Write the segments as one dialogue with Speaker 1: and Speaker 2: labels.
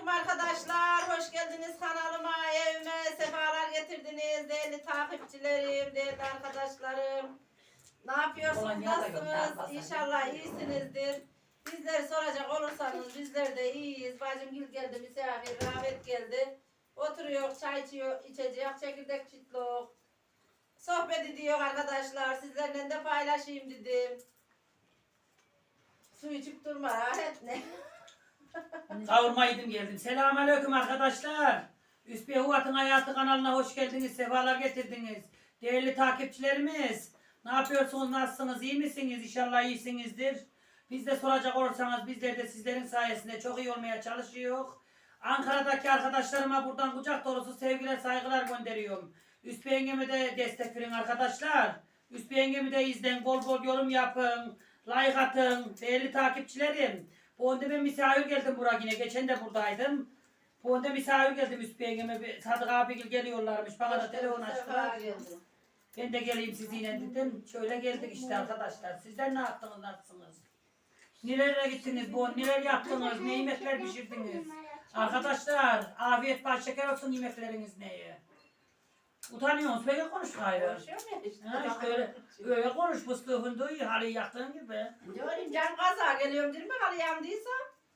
Speaker 1: Selamünaleyküm arkadaşlar. Hoş geldiniz kanalıma, evime sefalar getirdiniz. Değerli takipçilerim, değerli arkadaşlarım. Ne yapıyorsunuz? Nasılsınız? İnşallah iyisinizdir. Bizleri soracak olursanız bizler de iyiyiz. Bacım Gül geldi, misafir, Rahmet geldi. Oturuyor, çay içiyor, içecek, çekirdek çitlik. Sohbet ediyor arkadaşlar. Sizlerle de paylaşayım dedim. Su içip durma, rahat ne?
Speaker 2: Kavurma yedim geldim. Selamünaleyküm arkadaşlar. Üsbiye Huvat'ın Hayatı kanalına hoş geldiniz. Sefalar getirdiniz. Değerli takipçilerimiz. Ne yapıyorsunuz? Nasılsınız? İyi misiniz? İnşallah iyisinizdir. Biz de soracak olursanız bizler de sizlerin sayesinde çok iyi olmaya çalışıyoruz. Ankara'daki arkadaşlarıma buradan kucak dolusu sevgiler, saygılar gönderiyorum. Üsbiye yengeme de destek verin arkadaşlar. Üsbiye yengemi de izleyin. Bol bol yorum yapın. Like atın. Değerli takipçilerim. Bu önde ben misafir geldim buraya yine. Geçen de buradaydım. Bu önde misafir geldim Üsbiye yengeme. Sadık abi geliyorlarmış. Bana da telefon açtılar. Ben de geleyim sizinle dedim. Şöyle geldik işte arkadaşlar. Sizler ne yaptınız, nasılsınız? Nerelere gittiniz bu? Neler yaptınız? Ne yemekler pişirdiniz? Arkadaşlar afiyet baş şeker olsun yemekleriniz neye? Utanıyorsunuz. Peki konuş gayrı.
Speaker 1: Konuşuyor mu işte?
Speaker 2: Ha işte öyle konuş. Fıstığı fındığı halıyı yaktığın gibi.
Speaker 1: Diyorum can kaza geliyorum değil mi? Hadi yandıysa.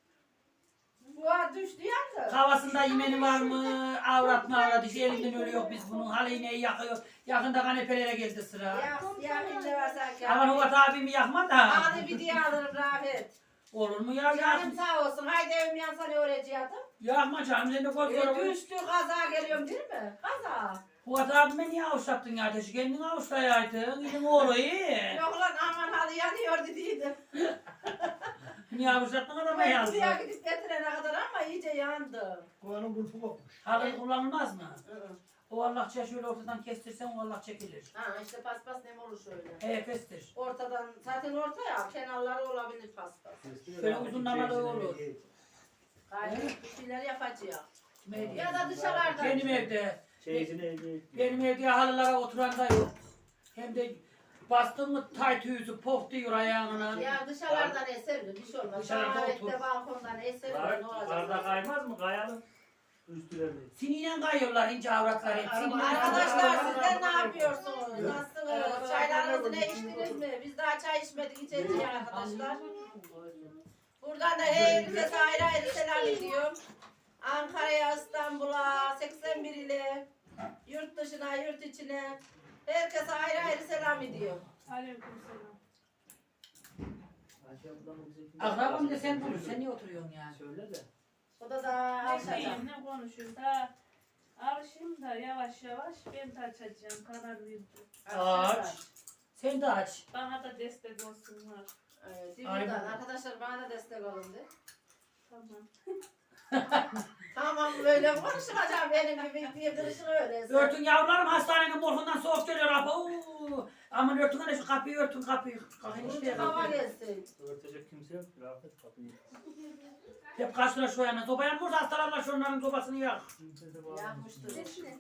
Speaker 1: Bu düştü yandı.
Speaker 2: Havasında yemeni var mı? Avrat mı avrat? İşte elinden ölüyor biz bunun. Halı iğneyi yakıyor. Yakında kanepelere geldi sıra.
Speaker 1: Ya ne var sanki.
Speaker 2: Aman Huvat abimi yakma da.
Speaker 1: Hadi bir diye alırım Rafet.
Speaker 2: Olur mu ya?
Speaker 1: Canım sağ olsun. Haydi evim yansa ne öğretiyordum?
Speaker 2: Yakma canım. Sen de koy koy.
Speaker 1: Düştü kaza geliyorum değil mi? Kaza.
Speaker 2: Huvat abime niye avuçlattın ya ateşi? Kendin avuçlayaydın. Gidin oğlu iyi.
Speaker 1: Yok lan aman hadi yanıyor dediydim.
Speaker 2: Niye avuçlattın adama
Speaker 1: Ben
Speaker 2: yazdı?
Speaker 1: buraya gidip getirene kadar ama iyice yandı.
Speaker 3: Kovanın burfu kopmuş.
Speaker 2: Halı kullanılmaz mı? O Allahça şöyle ortadan kestirsen o Allah çekilir.
Speaker 1: Ha işte paspas nem olur şöyle.
Speaker 2: He kestir.
Speaker 1: Ortadan zaten orta ya kenarları olabilir paspas.
Speaker 2: Şöyle uzunlamalı olur.
Speaker 1: Gayet bir şeyler yapacağız.
Speaker 2: Kime
Speaker 1: Ya da dışarıda.
Speaker 2: Benim evde.
Speaker 3: Çeyizini elde
Speaker 2: Benim evde halılara oturan da yok. Hem de bastın mı tay tüyüsü pop diyor ayağına.
Speaker 1: Ya dışarıdan eser bir şey olmaz.
Speaker 2: Dışarıda
Speaker 1: Davet'te
Speaker 2: otur.
Speaker 1: balkondan eser
Speaker 3: Var,
Speaker 1: ne olacak?
Speaker 3: barda kaymaz mı? Kayalım. Üstülerine.
Speaker 2: Siniyle kayıyorlar ince avratlar hep. Siniyle
Speaker 1: Arkadaşlar sizler ne yapıyorsunuz? Nasılsınız? Çaylarınızı ne içtiniz mi? Biz daha çay içmedik içeceğiz arkadaşlar. Buradan da herkese ayrı ayrı selam ediyorum. Ankara'ya, İstanbul'a, 81 ile yurt dışına, yurt içine herkese ayrı ayrı selam ediyorum.
Speaker 4: Aleykümselam.
Speaker 2: Akrabam da sen bulur. Sen niye oturuyorsun yani?
Speaker 3: Söyle de.
Speaker 1: O da
Speaker 4: Ne
Speaker 1: açacak.
Speaker 4: diyeyim, ne konuşayım da alışayım da yavaş yavaş ben de açacağım, karar verdim.
Speaker 2: Aç. Sen de aç.
Speaker 4: Bana da destek olsunlar.
Speaker 1: Buradan arkadaşlar bana da destek olun de.
Speaker 4: Tamam.
Speaker 1: Tamam böyle konuşmayacağım benim gibi bir kırışını öyle.
Speaker 2: Örtün yavrularım hastanenin morgundan soğuk geliyor. Aman örtün hani şu kapıyı örtün kapıyı. Kalkın işte.
Speaker 1: Hava gelsin.
Speaker 3: Örtecek kimse yok. Rafet kapıyı.
Speaker 2: Hep kaç lira şu yana. Soba yanmıyor hastalarla şunların sobasını yak.
Speaker 3: Kimse de bağlamaz.
Speaker 1: Yakmıştır.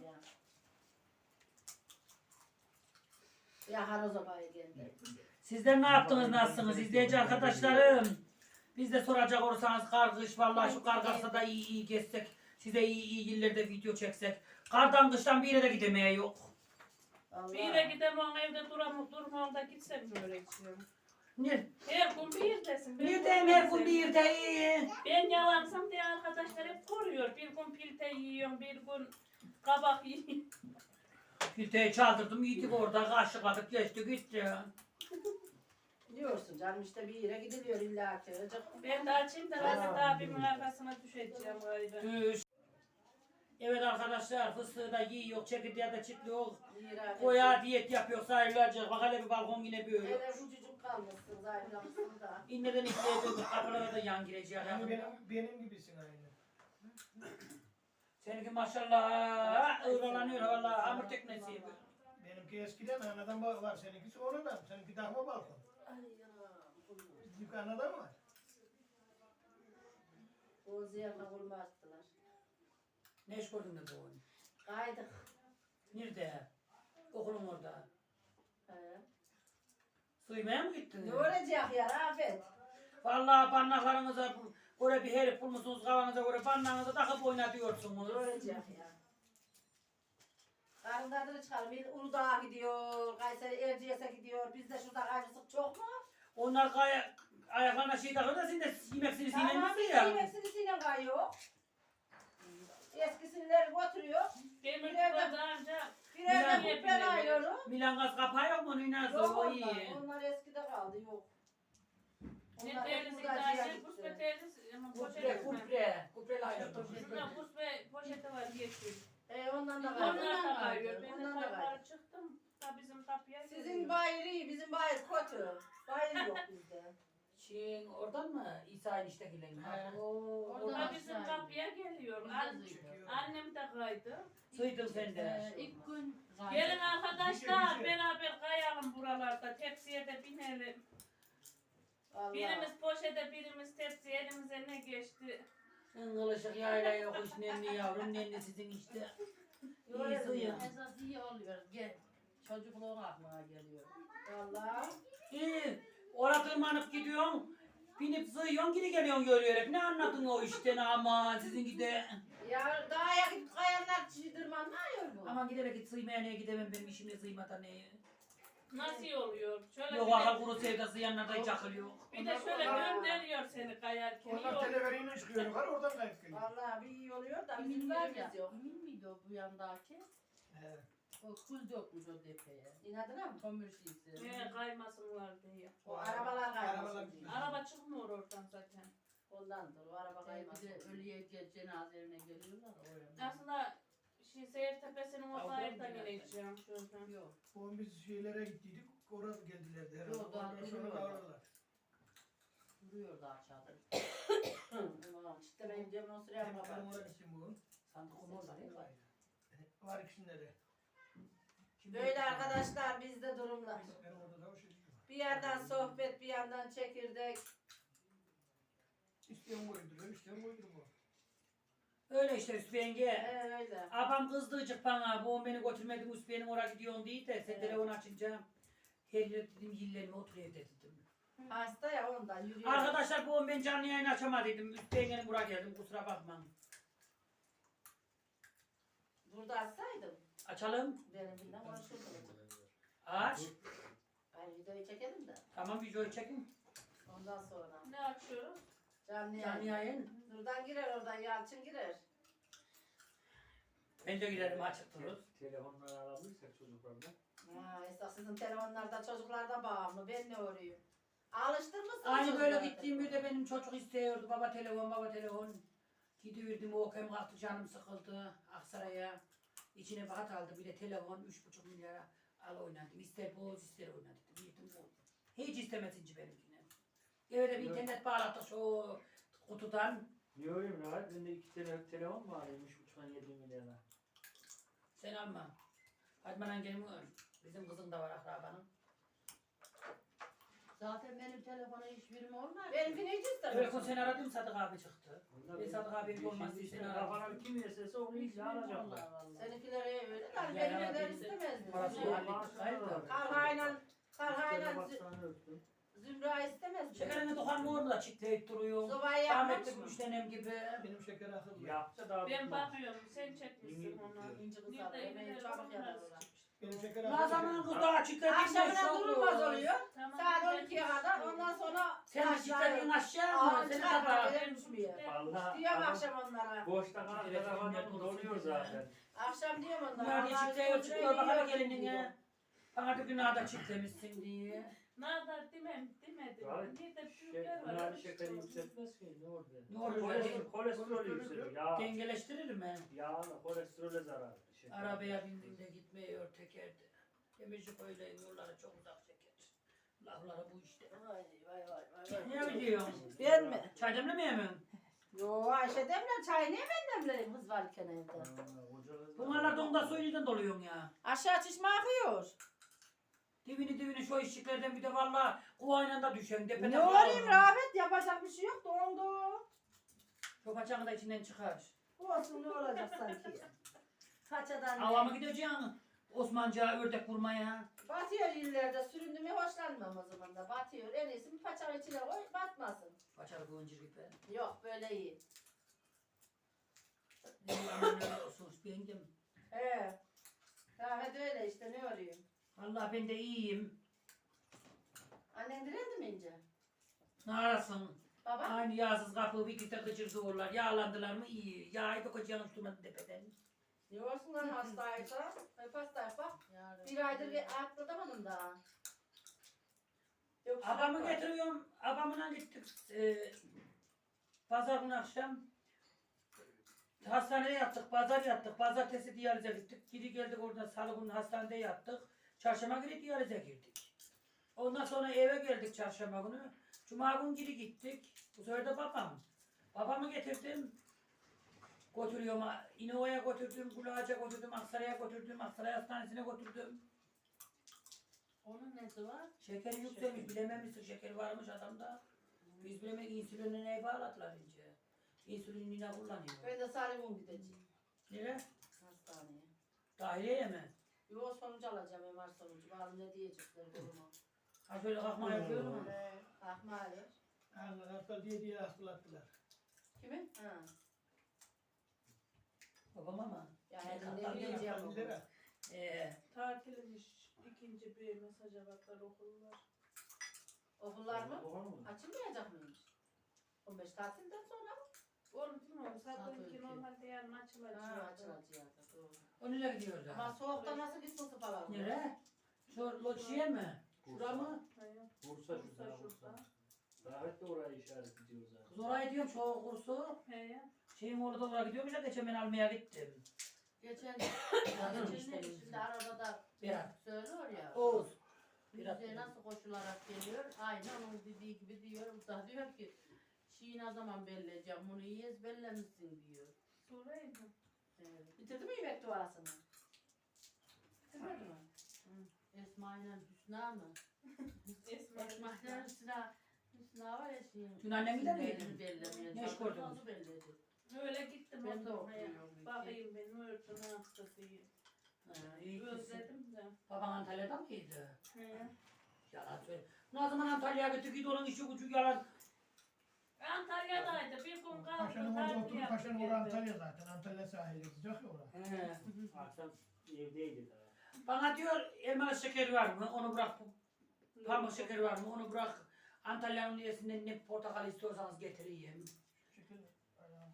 Speaker 1: Yakar o sobayı geldi.
Speaker 2: Sizler ne yaptınız, nasılsınız izleyici arkadaşlarım? Biz de soracak olursanız kış vallahi şu kar kalksa da iyi gezsek. Size iyi illerde video çeksek. Kardan kıştan bir yere de gidemeye yok.
Speaker 1: Allah.
Speaker 4: Bir yere gidemem evde durmam da gitsem mi öğretiyorum?
Speaker 2: Ne?
Speaker 4: Her gün bir yerdesin.
Speaker 2: Bir de her gün bir yerde iyi.
Speaker 4: Ben yalansam diye arkadaşlar hep koruyor. Bir gün pilte yiyorum, bir gün kabak yiyorum.
Speaker 2: Filteyi çaldırdım yedik orada kaşık atıp geçti gitti.
Speaker 1: Diyorsun canım işte bir yere gidiliyor illa ki.
Speaker 4: Ben de açayım da Hazret abimin arkasına düşeceğim gayrı.
Speaker 2: Düş. Evet arkadaşlar fıstığı da yiyor, çekirdeği de çitliyor.
Speaker 1: Koya.
Speaker 2: Koya diyet yapıyor sayılacak. Bak hele bir balkon yine böyle.
Speaker 1: Hele ucucuk kalmışsın zayıflamışsın da.
Speaker 2: İnneden içliğe döküp kapılara da yan girecek.
Speaker 3: Benim gibisin aynı.
Speaker 2: Seninki maşallah ıralanıyor valla hamur teknesi.
Speaker 3: Benimki eskiden anadan var. Seninki sonradan. Seninki dahma balkon.
Speaker 1: Ay yanam.
Speaker 3: Büyük anadan var.
Speaker 1: O ziyana kurma attılar.
Speaker 2: Ne iş gördün de bu oyun?
Speaker 1: Kaydık.
Speaker 2: Nerede? Okulun orada.
Speaker 1: He.
Speaker 2: Suymaya mı gittin?
Speaker 1: Ne olacak ya Rafet?
Speaker 2: Vallahi parmaklarınıza Oraya bir herif bulmuşsunuz kafanıza göre bandağınıza takıp oynatıyorsunuz.
Speaker 1: Ölecek ya. Karın tadını çıkarım. Uludağ'a gidiyor, Kayseri Erciyes'e gidiyor. Bizde şurada kaymışlık çok mu?
Speaker 2: Onlar ayaklarına şey takıyor da sen de yemeksini
Speaker 1: Tamam,
Speaker 2: sinirlenmişsin
Speaker 1: biz
Speaker 2: ya.
Speaker 1: yemeksini sinem kayıyor. Eskisileri götürüyor.
Speaker 4: Demir
Speaker 1: Birer de-
Speaker 4: daha önce
Speaker 1: Birer de
Speaker 4: Milan-
Speaker 1: ben ayıyorum.
Speaker 2: Milan gaz kapağı yok mu? Nina
Speaker 1: Yok
Speaker 2: o iyi.
Speaker 1: onlar. Onlar eskide kaldı, yok.
Speaker 4: ne
Speaker 1: Onlar hep
Speaker 4: terlisi
Speaker 1: hurdacıya
Speaker 4: gayet
Speaker 1: gitti.
Speaker 4: kuspe terlisi ama
Speaker 2: Kupre,
Speaker 4: poşeti
Speaker 2: kupre. Kupreli ayrı.
Speaker 4: Şurada kuspe poşeti var yeşil.
Speaker 1: Ondan da
Speaker 4: Onlar
Speaker 1: kaydı.
Speaker 4: da kayıyor. Ben de
Speaker 1: Ondan da kaydı.
Speaker 4: kayıplara çıktım. Da bizim kapıya
Speaker 1: Sizin
Speaker 4: geliyor.
Speaker 1: bayır iyi, bizim bayır kötü. Bayır yok bizde.
Speaker 2: Çin oradan mı? İsa eniştekiler mi?
Speaker 3: He.
Speaker 1: Oo,
Speaker 4: Da bizim kapıya geliyor. Annem de kaydı.
Speaker 2: Sıydın sen de.
Speaker 5: İlk gün
Speaker 4: Gelin arkadaşlar
Speaker 3: Bir şey.
Speaker 4: beraber kayalım buralarda. Tepsiye de binelim.
Speaker 1: vallahi.
Speaker 4: Birimiz poşete, birimiz tepsi. Elimize ne geçti?
Speaker 2: Ingılışık yayla yok iş nenni yavrum nenni sizin işte. İyi sıyın.
Speaker 5: esas iyi oluyor. Gel. Çocukluğun aklına geliyor.
Speaker 1: Vallahi.
Speaker 2: İyi. Oraya tırmanıp gidiyorsun. Binip sıyıyorsun geri geliyorsun görüyorsun. Ne anladın o işten ama sizinki de.
Speaker 1: Ya dağa gidip kayanlar çiğdirmanmıyor bu.
Speaker 2: Aman giderek git sıymaya neye gidemem benim işimle sıymata neye.
Speaker 4: Nasıl oluyor? Şöyle
Speaker 2: Yok
Speaker 4: bir de,
Speaker 2: akıl kuru sevdası yanlarda hiç akıl yok.
Speaker 4: bir de şöyle gönderiyor seni kayarken.
Speaker 3: Onlar
Speaker 4: Yok.
Speaker 3: televeriyle çıkıyor yukarı oradan kayıp geliyor.
Speaker 1: Vallahi bir iyi oluyor da bizim
Speaker 5: Emin var ya.
Speaker 1: yerimiz yok.
Speaker 5: Emin miydi o bu yandaki?
Speaker 3: He.
Speaker 5: O kuz yokmuş o tepeye.
Speaker 1: İnadına mı?
Speaker 5: Kömür şişesi.
Speaker 4: Kaymasınlar diye.
Speaker 1: O arabalar
Speaker 3: Arabalar
Speaker 1: kaymasın.
Speaker 3: gidiyor.
Speaker 4: Araba çıkmıyor oradan zaten.
Speaker 1: Ondandır o araba
Speaker 5: Bir
Speaker 1: kaymasın.
Speaker 5: de ölüye cenazelerine geliyorlar oraya.
Speaker 4: Aslında Seyir Tepesi'nin o
Speaker 2: Avrupa
Speaker 4: tarihten
Speaker 2: mı
Speaker 4: ineceğim şuradan.
Speaker 5: Yok.
Speaker 3: O biz şeylere gittiydik. Oraya geldilerdi herhalde.
Speaker 5: Yok, daha
Speaker 3: Ondan sonra
Speaker 5: geliyorlar.
Speaker 3: kavradılar.
Speaker 5: Duruyordu aşağıda.
Speaker 1: Tamam işte benim cebime süreyim
Speaker 3: Benim
Speaker 1: baba.
Speaker 3: oraya gittim bugün.
Speaker 2: Sandık onu orada değil mi?
Speaker 3: Var ikisinde de.
Speaker 1: Böyle arkadaşlar bizde durumlar.
Speaker 3: Ben orada da o şey çıkıyor.
Speaker 1: Bir yandan sohbet bir yandan çekirdek.
Speaker 3: İsteyen koyduruyor, isteyen koyduruyor.
Speaker 2: Öyle işte Üstü yenge.
Speaker 1: Öyle.
Speaker 2: Abam kızdıcık bana. Bu beni götürmedin Üstü'nün oraya gidiyorsun diye de sen
Speaker 1: Evet.
Speaker 2: telefon açınca her yer dedim yillerime otur evde dedim.
Speaker 1: Hasta ya ondan yürüyor.
Speaker 2: Arkadaşlar bu ben canlı yayın açamadıydım. Üstü yengenin buraya geldim kusura bakma.
Speaker 1: Burada açsaydım
Speaker 2: Açalım.
Speaker 1: benimkinden konuşurdum.
Speaker 2: Aç.
Speaker 1: Ben videoyu çekelim de
Speaker 2: Tamam videoyu çekin.
Speaker 1: ondan sonra.
Speaker 4: Ne açıyoruz?
Speaker 1: Canlı
Speaker 2: Canlı
Speaker 1: yayın.
Speaker 2: yayın.
Speaker 1: Buradan girer oradan Yalçın girer.
Speaker 2: Ben de giderim açık dururuz.
Speaker 6: Telefonları alamıyorsak çocuklarla.
Speaker 1: Ha, esas sizin telefonlarda çocuklarda bağımlı. Ben ne orayım? Alıştırmışsınız
Speaker 2: Aynı böyle
Speaker 1: çocukları.
Speaker 2: gittiğim bir de benim çocuk istiyordu. Baba telefon, baba telefon. Gidiverdim o hem kalktı canım sıkıldı Aksaray'a. İçine bir hat aldı bir de telefon 3,5 milyara al oynadım. İster boz ister oynadım. Yedim bu. Hiç istemesinci benimkine. Eve de bir
Speaker 6: Evet.
Speaker 2: internet bağlattık şu kutudan.
Speaker 6: Niye öyle mi rahat? Bende 2 telefon var. 3,5'dan 7 milyona.
Speaker 2: Sen alma. Hadi bana gelin bizim kızın da var akrabanın.
Speaker 5: Zaten benim telefona hiçbirim olmaz.
Speaker 1: Benimkini hiç
Speaker 2: Öyle
Speaker 1: istemez.
Speaker 2: sen aradım Sadık abi çıktı.
Speaker 6: Onlar
Speaker 2: Ben Sadık abiye olmaz diye seni aradım.
Speaker 6: Kafana kim yeserse onu iyice alacaklar.
Speaker 1: Seninkileri öyle de
Speaker 2: Ya,
Speaker 1: benim
Speaker 2: ya,
Speaker 1: evden
Speaker 2: biz-
Speaker 1: istemezdim.
Speaker 2: Parası
Speaker 1: Zümra-
Speaker 2: hallettik gayrı.
Speaker 1: Karhayla
Speaker 6: Baksana öptüm.
Speaker 1: Zümra istemezdim.
Speaker 2: Şekerini dokan mı orada çitleyip duruyor.
Speaker 1: Sobayı
Speaker 2: Rahmetli
Speaker 1: yakmamış mı?
Speaker 2: müştenem gibi.
Speaker 3: Benim şeker akıllı.
Speaker 6: Yapsa daha
Speaker 4: Ben
Speaker 6: tutmaz.
Speaker 4: bakıyorum sen çekmişsin onu.
Speaker 1: İnci kızlar.
Speaker 4: Bir de
Speaker 1: Yemeği
Speaker 4: evde
Speaker 1: çabuk
Speaker 4: onlar
Speaker 1: yaparlar.
Speaker 3: Benim şeker
Speaker 2: Ne zaman
Speaker 3: akıllı.
Speaker 2: kız daha çitlediğinde
Speaker 1: Akşamına durulmaz oluyor.
Speaker 4: Tamam,
Speaker 1: Saat
Speaker 4: ben
Speaker 1: 12'ye kadar ondan sonra
Speaker 2: Sen de çitlediğin aşağı mı?
Speaker 1: Aa,
Speaker 2: Seni
Speaker 1: çıkar
Speaker 2: sabah.
Speaker 1: böyle düşmüyor.
Speaker 6: Vallahi
Speaker 1: Diyorum
Speaker 6: adam
Speaker 1: akşam onlara.
Speaker 6: boşta kalan telefonla doluyor zaten.
Speaker 1: Akşam diyorum onlara.
Speaker 2: Bunlar diye
Speaker 1: Allah'ın
Speaker 2: çitliyor
Speaker 1: izniyle
Speaker 2: çıkıyor bakalım
Speaker 1: yiyorum
Speaker 2: gelinine.
Speaker 1: diyor.
Speaker 2: Bana da günahda çitlemişsin diye.
Speaker 4: Nadar demedim.
Speaker 6: Abi,
Speaker 4: Bir de büyükler var.
Speaker 6: Bunlar şekeri yükseltmez ki ne orada?
Speaker 2: Ne olur
Speaker 6: Kolesterol yükseliyor. Ya,
Speaker 2: Dengeleştirir mi?
Speaker 6: yağla kolesterole zarar. Şeker.
Speaker 2: Arabaya bindiğinde gitmiyor tekerde. Demişik öyle yolları çok uzak çeker. Lafları bu işte.
Speaker 1: Vay vay vay vay.
Speaker 2: Ne biliyorsun?
Speaker 1: Ben mi?
Speaker 2: Çay demlemeye mi?
Speaker 1: Yo Ayşe demle çay niye ben demlerim kız varken evde.
Speaker 2: Bunlar donda suyundan doluyorsun ya.
Speaker 1: Aşağı çişme akıyor.
Speaker 2: Dibini şu eşiklerden bir de valla kuvayla da düşen. Tepede
Speaker 1: Ne olayım Rafet yapacak bir şey yok dondu.
Speaker 2: Çok açanı da içinden çıkar.
Speaker 1: Olsun ne olacak sanki. Kaçadan
Speaker 2: Ava mı gideceksin? Osmanlıca ördek vurmaya.
Speaker 1: Batıyor illerde süründü mü hoşlanmam o zaman da batıyor. En iyisi bir paçanın içine koy batmasın.
Speaker 2: Paçalı boncuk gibi.
Speaker 1: Yok böyle iyi.
Speaker 2: Sus bendim.
Speaker 1: He. Rahmet öyle işte ne olayım.
Speaker 2: Allah ben de iyiyim.
Speaker 1: Annen direndi mi ince?
Speaker 2: Ne arasın?
Speaker 1: Baba?
Speaker 2: Aynı yağsız kapı bir gide gıcırdılar. Yağlandılar mı iyi. Yağı da kocayan tutmadı tepeden.
Speaker 1: Yiyorsun lan hastaysa. Hep hastaysa bak.
Speaker 5: Yarın.
Speaker 1: Bir aydır atlatamadım daha. Yok,
Speaker 2: Abamı
Speaker 1: sıcak var.
Speaker 2: getiriyorum. Abamla gittik. Pazar günü akşam. Hastaneye yattık. Pazar yattık. Pazartesi diyalize gittik. Geri geldik oradan salı günü hastanede yattık. Çarşamba günü diyalize girdik. Ondan sonra eve geldik çarşamba günü. Cuma günü geri gittik. Bu sefer de babam. Babamı getirdim. Götürüyorum. İnova'ya götürdüm. Kulağaç'a götürdüm. Aksaray'a götürdüm. Aksaray Hastanesi'ne götürdüm.
Speaker 5: Onun nesi var?
Speaker 2: Şekeri yükselmiş. Bilememişsin şekeri varmış adamda. Biz bilemek insülinine bağladılar ince. İnsülinine kullanıyor.
Speaker 1: Ben de Salim'in gideceğim.
Speaker 2: Nereye?
Speaker 1: Hastaneye.
Speaker 2: Dahiliyeye mi?
Speaker 1: Yo sonucu alacağım MR sonucu. Bakalım ne diyecekler duruma.
Speaker 2: Ha şöyle kalkma yapıyor mu?
Speaker 1: Ahmali.
Speaker 3: Hasta diye hastalattılar.
Speaker 1: Kimin? Ha.
Speaker 2: Babam ama.
Speaker 1: Yani
Speaker 2: Ne
Speaker 1: ne
Speaker 2: kadar
Speaker 1: bileceğim
Speaker 3: Hasta
Speaker 1: onu.
Speaker 3: bizlere.
Speaker 4: Tatilmiş. İkinci bir mesaja baklar okullar.
Speaker 1: Okullar mı?
Speaker 6: Doğru mu?
Speaker 1: Açılmayacak mıymış? 15 tatilden sonra mı?
Speaker 4: Onu bilmiyorum.
Speaker 5: Saat
Speaker 4: Zaten ki
Speaker 5: iki.
Speaker 4: normalde yarın açılacak.
Speaker 1: Ha açılacak. Doğru.
Speaker 2: O nereye gidiyoruz
Speaker 1: Ama
Speaker 2: ha?
Speaker 1: soğukta nasıl gitsin falan?
Speaker 2: Nereye? Şu Loçiye mi? Şura mı?
Speaker 4: Hayır.
Speaker 6: Bursa
Speaker 4: Bursa
Speaker 6: şurada.
Speaker 4: şurada.
Speaker 6: Davet de oraya işaret ediyor zaten.
Speaker 2: Kız oraya gidiyorum şu kursu.
Speaker 4: He.
Speaker 2: Şeyin orada oraya gidiyormuş ya geçen ben almaya gittim.
Speaker 1: Geçen
Speaker 2: Kadın işte.
Speaker 1: şimdi arada da
Speaker 2: Berat.
Speaker 1: söylüyor ya.
Speaker 2: Oğuz. Berat.
Speaker 1: Yüzeye nasıl koşularak geliyor? Aynı onun dediği gibi diyor. Bu da diyor ki Şiir ne zaman belleyeceğim? Bunu iyi ezberlemişsin diyor.
Speaker 4: Suraydı.
Speaker 1: Bitirdi mi yemek duasını? Bitirmedi mi? Esma ile Hüsna mı? Esma ile Hüsna. Hüsna var ya şeyin.
Speaker 2: Dün annem gider
Speaker 1: isimlerini
Speaker 2: miydin?
Speaker 1: bellemeye
Speaker 2: Ne iş
Speaker 1: çalışıyor.
Speaker 2: gördünüz?
Speaker 1: Nasıl belledi?
Speaker 4: Öyle gittim
Speaker 1: Ben de
Speaker 4: oturmaya.
Speaker 1: okuyorum.
Speaker 4: Bakayım ben öğretmen hastasıyım.
Speaker 2: Ha, iyi gitsin.
Speaker 4: Özledim de.
Speaker 2: Baban Antalya'da mıydı?
Speaker 4: He.
Speaker 2: Yalan söyle. Ne zaman Antalya'ya gitti git onun işi gücü yalan.
Speaker 4: Antalya'daydı. Bir gün kaldı.
Speaker 3: Paşa'nın orada
Speaker 4: tatil
Speaker 3: oturup
Speaker 4: yaptı
Speaker 3: Paşa'nın
Speaker 4: geldi.
Speaker 3: orada Antalya zaten. Antalya sahili sıcak ya orada.
Speaker 2: He.
Speaker 6: Akşam evdeydi daha.
Speaker 2: Bana diyor elmalı şekeri var mı? Onu bırak. Pamuk şekeri var mı? Onu bırak. Antalya'nın iyisinden ne portakal istiyorsanız getireyim.
Speaker 3: Şekil. Ayağım.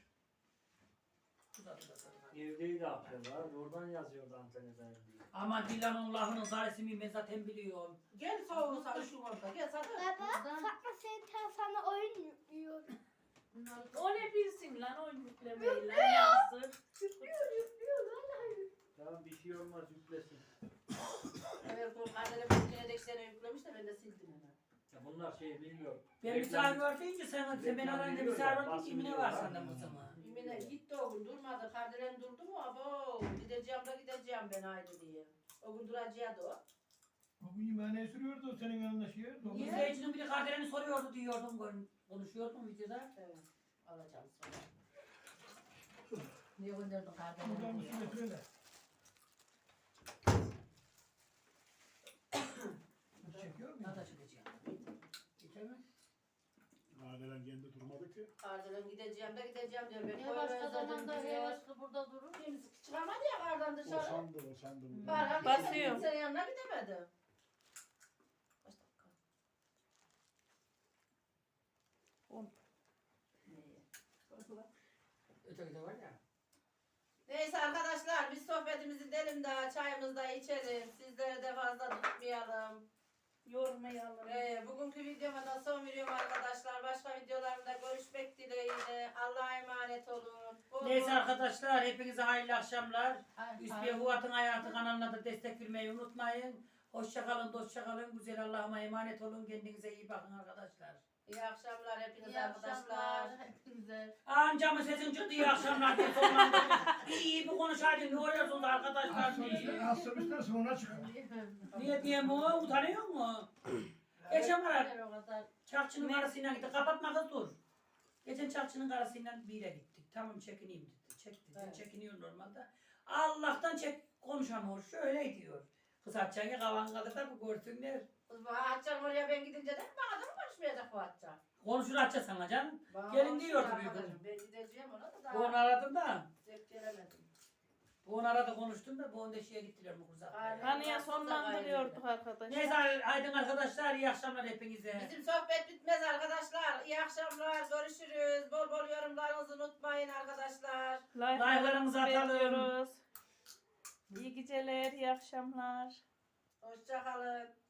Speaker 6: Evdeydi akşamlar. Oradan yazıyordu Antalya'dan diye.
Speaker 2: Ama Dilan'ın lafının zaresimi ben zaten biliyorum.
Speaker 1: Gel soğuğu sarışın orada. Gel sana.
Speaker 7: Baba, Fatma senin sana oyun yüklüyor.
Speaker 4: O ne bilsin lan o yüklemeyi lan yazık.
Speaker 6: Tamam bir şey olmaz yüklesin.
Speaker 1: Evet, bu annene bir kere de sene yüklemiş de ben de sildim hemen.
Speaker 6: Ya bunlar şey bilmiyor.
Speaker 2: Ben misafir var deyince sen beni arayınca misafir var deyince ne var senden bu zaman?
Speaker 1: Yine gitti o gün durmadı. Kardelen durdu mu? Abo gideceğim da gideceğim ben haydi diye. O gün duracaktı o.
Speaker 3: O gün yemeğine sürüyordu senin yanında şey.
Speaker 2: İzleyicinin biri kardeşini soruyordu diyordum. Konuşuyordum videoda.
Speaker 1: Evet. Alacağım sonra. Niye gönderdin
Speaker 3: Buradan
Speaker 1: kardelen'i diye.
Speaker 3: üstüne söyle. Çekiyor mu?
Speaker 2: Nada çıkacağım. Geçer mi?
Speaker 8: Adelen kendi durmadı ki.
Speaker 1: Kardelen gideceğim de gideceğim diyor. Ben
Speaker 5: Niye başka zamanda hevesli burada durur?
Speaker 1: Kimse çıkamadı ya kardan dışarı.
Speaker 8: Boşandı.
Speaker 1: Barha
Speaker 4: Basıyor.
Speaker 1: kimsenin yanına gidemedi. Kaç dakika?
Speaker 4: 10.
Speaker 1: Neyi?
Speaker 2: Öteki de var ya.
Speaker 1: Neyse arkadaşlar biz sohbetimizi edelim daha çayımızı da içelim. Sizleri de fazla tutmayalım.
Speaker 4: Yormayalım.
Speaker 1: Bugünkü videoma da son veriyorum arkadaşlar. Başka videolarımda görüşmek dileğiyle. Allah'a emanet olun.
Speaker 2: Neyse arkadaşlar hepinize hayırlı akşamlar.
Speaker 5: Hayır,
Speaker 2: Üsbiye Huvat'ın Hayatı kanalına da destek vermeyi unutmayın. Hoşça kalın, dostça kalın. Güzel Allah'ıma emanet olun. Kendinize iyi bakın arkadaşlar.
Speaker 1: İyi akşamlar hepinize
Speaker 5: İyi
Speaker 1: arkadaşlar.
Speaker 5: akşamlar hepinize.
Speaker 2: Ancamın sesin çıktı iyi akşamlar diye sonlandırdım. İyi bir konuşaydın. Ne oluyorsunuz arkadaşlar diye.
Speaker 3: Asılmışlar sonra çıkar.
Speaker 2: Niye diyeyim o? Utanıyor mu? Geçen var.
Speaker 5: O kadar.
Speaker 2: Çarkçının karısıyla gitti. Kapatma kız dur. Geçen çarkçının karısıyla bir yere gittik. Tamam çekineyim dedi. Çek dedi.
Speaker 1: Evet.
Speaker 2: Çekiniyor normalde. Allah'tan çek konuşamıyor. Şöyle diyor. Kız açacağın kavan kalır da bu görsünler.
Speaker 1: Kız bu Hatice'm oraya ben gidince de bana da mı konuşmayacak bu Hatice?
Speaker 2: Konuşur Hatice sana canım.
Speaker 1: Bana
Speaker 2: Gelin
Speaker 1: konuştu
Speaker 2: diyordu büyük
Speaker 1: arkadaşım.
Speaker 2: hanım.
Speaker 1: Ben gideceğim ona da
Speaker 2: Bu onu
Speaker 1: daha
Speaker 2: aradım da.
Speaker 1: zevk gelemedim.
Speaker 2: Bu onu aradı konuştum da bu onu da şeye gittiler mi kurzak.
Speaker 1: Aynen.
Speaker 4: Hani sonlandırıyorduk arkadaşlar.
Speaker 2: Neyse aydın arkadaşlar iyi akşamlar hepinize.
Speaker 1: Bizim sohbet bitmez arkadaşlar. İyi akşamlar. Görüşürüz. Bol bol yorumlarınızı unutmayın arkadaşlar.
Speaker 2: Like'larımızı atalım.
Speaker 4: bekliyoruz. İyi geceler, iyi akşamlar.
Speaker 1: Hoşça kalın.